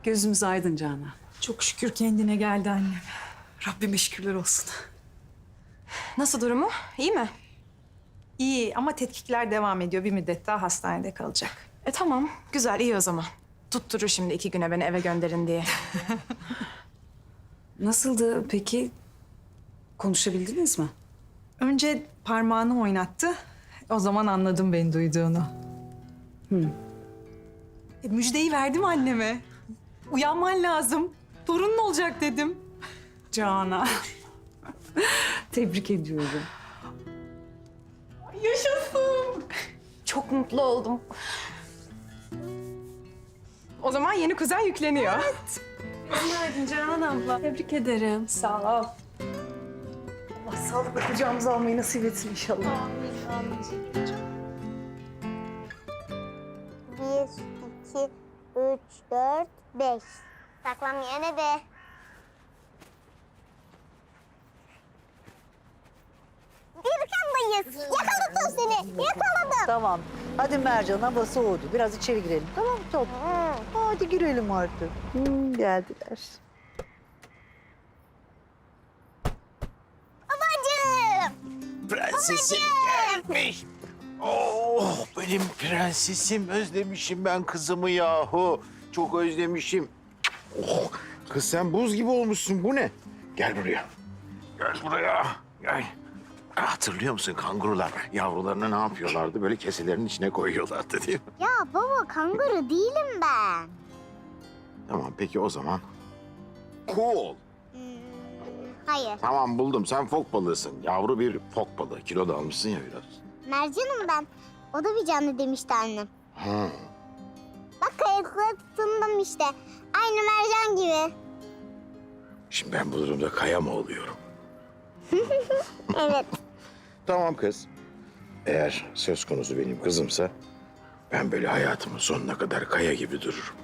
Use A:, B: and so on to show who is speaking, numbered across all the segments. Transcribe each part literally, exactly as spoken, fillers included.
A: Gözümüz aydın Canan.
B: Çok şükür kendine geldi annem.
A: Rabbime şükürler olsun.
B: Nasıl durumu? İyi mi? İyi ama tetkikler devam ediyor. Bir müddet daha hastanede kalacak.
C: E tamam, güzel, iyi o zaman. Tutturur şimdi iki güne beni eve gönderin diye.
A: Nasıldı peki? Konuşabildiniz mi?
B: Önce parmağını oynattı. O zaman anladım beni duyduğunu.
A: Hı.
B: E, müjdeyi verdim anneme. Uyanman lazım. Torunun olacak dedim.
A: Canan. Tebrik ediyorum.
C: Yaşasın! Çok mutlu oldum. O zaman yeni kuzen yükleniyor.
A: Günaydın Canan abla. Tebrik ederim.
C: Sağ ol.
A: Allah sağlıkla kucağımıza almayı nasip etsin inşallah.
D: Bir, iki, üç, dört, beş. Saklam yine be. Birkan'dayız. Yakaladım seni. Yakaladım.
E: Tamam. Hadi Mercan, hava soğudu. Biraz içeri girelim. Tamam mı Top? Hadi girelim artık. Hmm, geldiler.
D: Babacığım.
F: Prensesim gelmiş. Oh benim prensesim, özlemişim ben kızımı yahu. Çok özlemişim. Oh, kız sen buz gibi olmuşsun, bu ne? Gel buraya. Gel buraya. Gel. Ah, hatırlıyor musun kangurular yavrularını ne yapıyorlardı? Böyle keselerin içine koyuyorlardı değil mi?
D: Ya baba kanguru değilim ben.
F: Tamam peki o zaman. Cool.
D: Hmm, hayır.
F: Tamam buldum, sen fok balığısın. Yavru bir fok balığı. Kilo da almışsın ya biraz.
D: Mercan'ım ben. O da bir canlı demişti annem.
F: Ha.
D: Bak kayıklara tutundım işte. Aynı mercan gibi.
F: Şimdi ben bu durumda kaya mı oluyorum?
D: Evet.
F: Tamam kız. Eğer söz konusu benim kızımsa ben böyle hayatımın sonuna kadar kaya gibi dururum.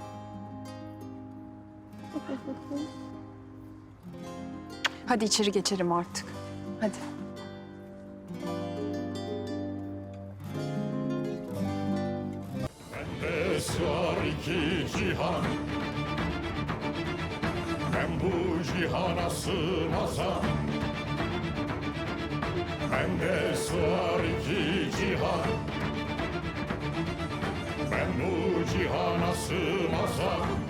C: Hadi içeri geçelim artık. Hadi.
G: Bende sığar iki cihan, ben bu cihana sığmazam. Bende sığar iki cihan, ben bu cihana sığmazam.